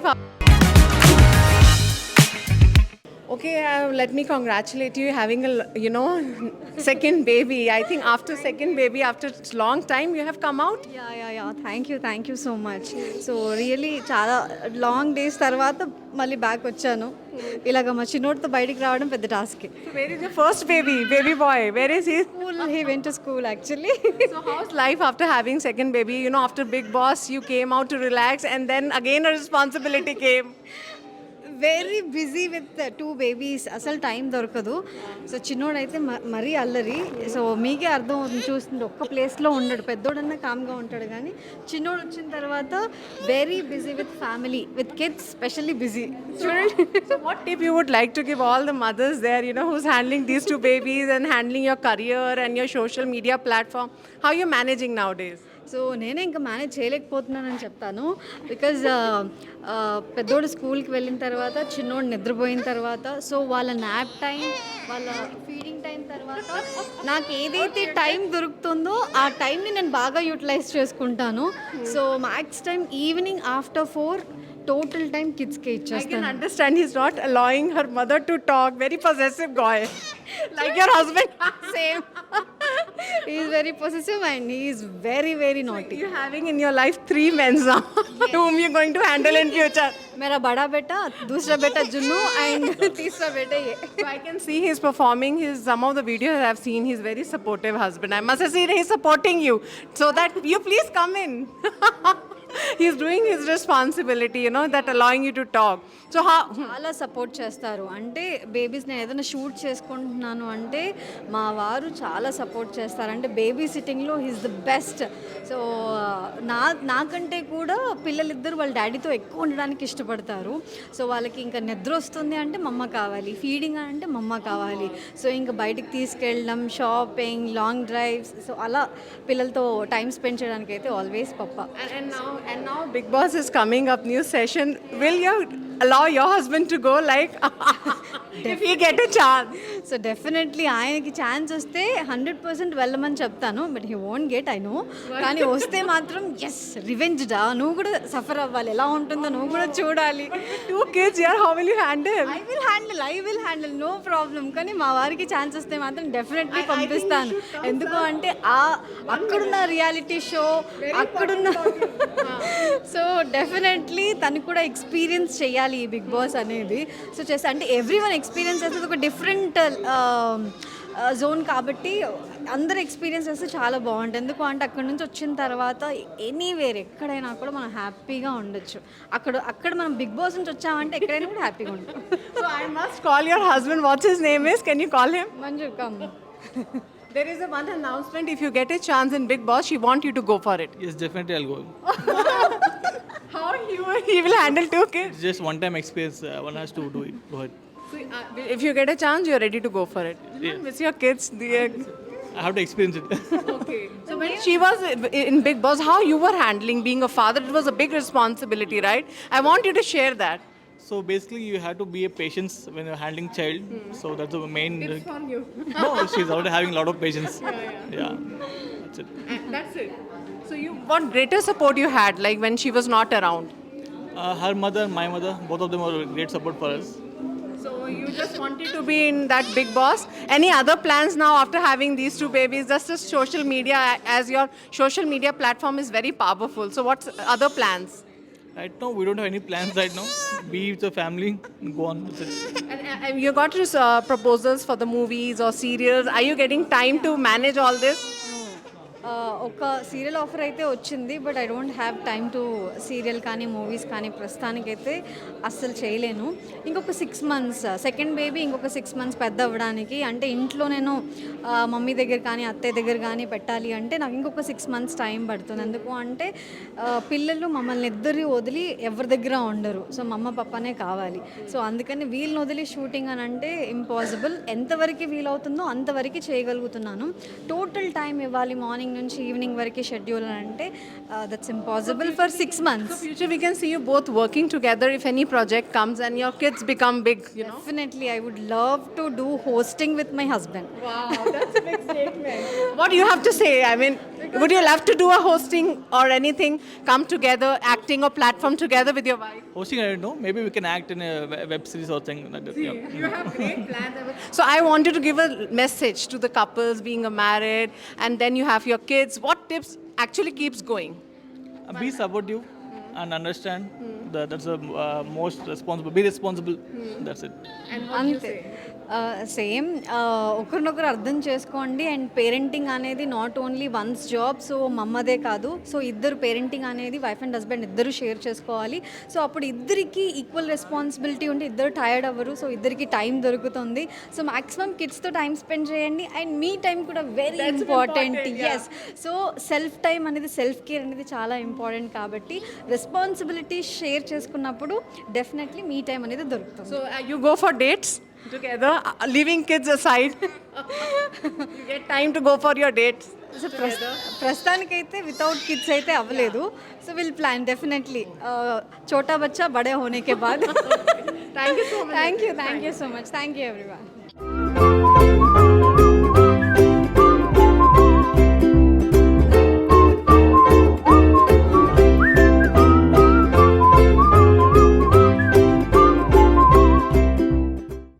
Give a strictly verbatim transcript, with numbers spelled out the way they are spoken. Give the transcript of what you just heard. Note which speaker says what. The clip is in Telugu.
Speaker 1: life? Okay, uh, let me congratulate you having a l- you know second baby. I think after second baby, after long time, you have come out.
Speaker 2: Yeah yeah yeah thank you thank you so much. So really చాలా లాంగ్ డేస్ తర్వాత మళ్ళీ బ్యాక్ వచ్చాను. ఇలాగ మా చిన్నోడితో బయటికి రావడం పెద్ద task.
Speaker 1: So where is your first baby, baby boy? Where is he?
Speaker 2: School he went to school actually.
Speaker 1: So how's life after having second baby? You know, after Big Boss, you came out to relax, and then again a responsibility came.
Speaker 2: Very busy with two babies, అసలు టైం దొరకదు. సో చిన్నోడైతే మ- మరీ అల్లరి. సో మీకే అర్థం అవుతుంది చూస్తుంది, ఒక్క ప్లేస్లో ఉండడు. పెద్దోడన్నా కామ్గా ఉంటాడు, కానీ చిన్నోడు వచ్చిన తర్వాత very busy with family, with kids specially busy. చూడండి.
Speaker 1: So what tip you would like to give all the mothers there, you know, who's handling these two babies and handling your career and your social media platform? How you managing nowadays?
Speaker 2: So నేనే ఇంకా మేనేజ్ చేయలేకపోతున్నానని చెప్తాను. బికాజ్ పెద్దోడు స్కూల్కి వెళ్ళిన తర్వాత, చిన్నోడు నిద్రపోయిన తర్వాత, సో వాళ్ళ నాప్ టైం, వాళ్ళ ఫీడింగ్ టైం తర్వాత నాకు ఏదైతే టైం దొరుకుతుందో ఆ టైంని నేను బాగా యూటిలైజ్ చేసుకుంటాను. So max time evening after four total time కిడ్స్కే
Speaker 1: I can
Speaker 2: ఇచ్చేస్తాను.
Speaker 1: understand he's not allowing her mother to talk. Very possessive guy, like your husband.
Speaker 2: Same is very possessive and he is very very naughty.
Speaker 1: You're having in your life three men now, whom you're going to handle in future.
Speaker 2: मेरा बड़ा बेटा, दूसरा बेटा जुन्नू एंड तीसरा बेटा ये.
Speaker 1: So I can see he's performing. His some of the videos I've seen. He's very supportive husband. I must have seen he's supporting you, so that you please come in. He's doing his responsibility, you know, that allowing you to talk. So how?
Speaker 2: చాలా సపోర్ట్ చేస్తారు. అంటే బేబీస్ నేను ఏదైనా షూట్ చేసుకుంటున్నాను అంటే మా వారు చాలా సపోర్ట్ చేస్తారు. అంటే బేబీ సిట్టింగ్లో హీస్ ద బెస్ట్. సో నా నాకంటే కూడా పిల్లలిద్దరు వాళ్ళ డాడీతో ఎక్కువ ఉండడానికి ఇష్టపడతారు. సో వాళ్ళకి ఇంకా నిద్ర వస్తుంది అంటే మమ్మ కావాలి, ఫీడింగ్ అంటే మమ్మ కావాలి. సో ఇంకా బయటికి తీసుకెళ్ళడం, షాపింగ్, లాంగ్ డ్రైవ్స్, సో అలా పిల్లలతో టైం స్పెండ్ చేయడానికి అయితే ఆల్వేస్ పప్ప.
Speaker 1: And, and now, and now, Big Boss is coming up. New session. Will you allow your husband to go? Like, if he get a chance.
Speaker 2: So definitely ఆయనకి ఛాన్స్ వస్తే హండ్రెడ్ పర్సెంట్ వెళ్ళమని చెప్తాను. But he won't get, I know. కానీ వస్తే మాత్రం ఎస్, రివెంజ్ డా, నువ్వు కూడా సఫర్ అవ్వాలి, ఎలా ఉంటుందో నువ్వు కూడా చూడాలి.
Speaker 1: Two kids here. How will you handle?
Speaker 2: I will handle I will handle no problem. కానీ మా వారికి ఛాన్స్ వస్తే మాత్రం డెఫినెట్లీ పంపిస్తాను. ఎందుకు అంటే ఆ అక్కడున్న రియాలిటీ షో, అక్కడున్న సో డెఫినెట్లీ తను కూడా ఎక్స్పీరియన్స్ చేయాలి ఈ బిగ్ బాస్ అనేది. సో చేస్తా అంటే ఎవ్రీ వన్ ఎక్స్పీరియన్స్ చేస్తే ఒక డిఫరెంట్ జోన్ కాబట్టి అందరు ఎక్స్పీరియన్స్ చేస్తే చాలా బాగుంటుంది. ఎందుకు అంటే అక్కడ నుంచి వచ్చిన తర్వాత ఎనీవేర్ ఎక్కడైనా కూడా మనం హ్యాపీగా ఉండొచ్చు. అక్కడ అక్కడ మనం బిగ్ బాస్ నుంచి వచ్చామంటే ఎక్కడైనా కూడా హ్యాపీగా ఉంటాం.
Speaker 1: So I must call your husband. What's his name is? Can you call him?
Speaker 2: Manju come.
Speaker 1: There is a one announcement. If you get a chance in Big Boss, she want you to go for it.
Speaker 3: Yes, definitely I'll go.
Speaker 1: How he will, he will handle two kids?
Speaker 3: It's just one time experience. Uh, one has to do it. Go ahead.
Speaker 1: So, uh, if you get a chance, you're ready to go for it.
Speaker 3: Yes.
Speaker 1: Miss your kids. The,
Speaker 3: I have to experience it.
Speaker 1: okay. So when she was in Big Boss, how you were handling being a father? It was a big responsibility, right? I want you to share that.
Speaker 3: So basically, you have to be a patience when you're handling child. So that's the main.
Speaker 1: Tips from you.
Speaker 3: No, she's already having a lot of patience. Yeah, yeah. That's it.
Speaker 1: That's it. So you, what greater support you had, like when she was not around?
Speaker 3: Uh, her mother, my mother, both of them were great support for us.
Speaker 1: So you just wanted to be in that Big Boss. Any other plans now after having these two babies? Just as social media, as your social media platform is very powerful. So what's other plans?
Speaker 3: Right now, we don't have any plans right now. Be with the family, go on with it.
Speaker 1: And, and you got uh, proposals for the movies or serials. Are you getting time to manage all this?
Speaker 2: ఒక సీరియల్ ఆఫర్ అయితే వచ్చింది, but I don't have time to serial కానీ మూవీస్ కానీ ప్రస్తుతానికైతే అస్సలు చేయలేను. ఇంకొక సిక్స్ మంత్స్ సెకండ్ బేబీ ఇంకొక సిక్స్ మంత్స్ పెద్ద అవ్వడానికి, అంటే ఇంట్లో నేను మమ్మీ దగ్గర కానీ అత్తయ్య దగ్గర కానీ పెట్టాలి అంటే నాకు ఇంకొక సిక్స్ మంత్స్ టైం పడుతుంది. ఎందుకు అంటే పిల్లలు మమ్మల్ని ఇద్దరు వదిలి ఎవరి దగ్గర ఉండరు. సో మమ్మ పప్పనే కావాలి. సో అందుకని వీళ్ళని వదిలి షూటింగ్ అని అంటే ఇంపాసిబుల్. ఎంతవరకు వీలవుతుందో అంతవరకు చేయగలుగుతున్నాను. టోటల్ టైం ఇవ్వాలి మార్నింగ్ నుంచి ఈవినింగ్ వరకు షెడ్యూల్ అని అంటే that's impossible for six months.
Speaker 1: Future we can see you both working together if any project comes and your kids become big, you know.
Speaker 2: Definitely I would love to do hosting with my husband.
Speaker 1: Wow, that's a big statement. What do you have to say? I mean, Would you love to do a hosting or anything? Come together, acting or platform together with your wife?
Speaker 3: Hosting, I don't know. Maybe we can act in a we- web series or something like that. Yeah.
Speaker 1: You have great plans. So I wanted to give a message to the couples being married, and then you have your kids. What tips actually keeps going?
Speaker 3: Uh, Be supportive and understand that that's the uh, most responsible. Be responsible. That's it.
Speaker 2: అంతే సేమ్ ఒకరినొకరు అర్థం చేసుకోండి. అండ్ పేరెంటింగ్ అనేది not only one's job, so మమ్మదే కాదు. సో ఇద్దరు పేరెంటింగ్ అనేది వైఫ్ అండ్ హస్బెండ్ ఇద్దరు షేర్ చేసుకోవాలి. సో అప్పుడు ఇద్దరికి ఈక్వల్ రెస్పాన్సిబిలిటీ ఉంటే ఇద్దరు టైర్డ్ అవ్వరు. సో ఇద్దరికి టైం దొరుకుతుంది. సో మాక్సిమం కిడ్స్తో టైం స్పెండ్ చేయండి. అండ్ మీ టైం కూడా very important. Yes, so self time అనేది, సెల్ఫ్ కేర్ అనేది చాలా ఇంపార్టెంట్. కాబట్టి రెస్పాన్సిబిలిటీ షేర్ చేసుకున్నప్పుడు డెఫినెట్లీ మీ టైం అనేది దొరుకుతుంది.
Speaker 1: So uh, you go for dates together, uh, leaving kids aside. You get time to go for your dates.
Speaker 2: So ప్రస్తుతానికైతే వితౌట్ కిడ్స్ అయితే అవ్వలేదు. సో విల్ ప్లాన్ డెఫినెట్లీ చోటా బచ్చా బడే హోనే కే బాద్.
Speaker 1: Thank you so much.
Speaker 2: Thank you thank you so much. Thank you everyone.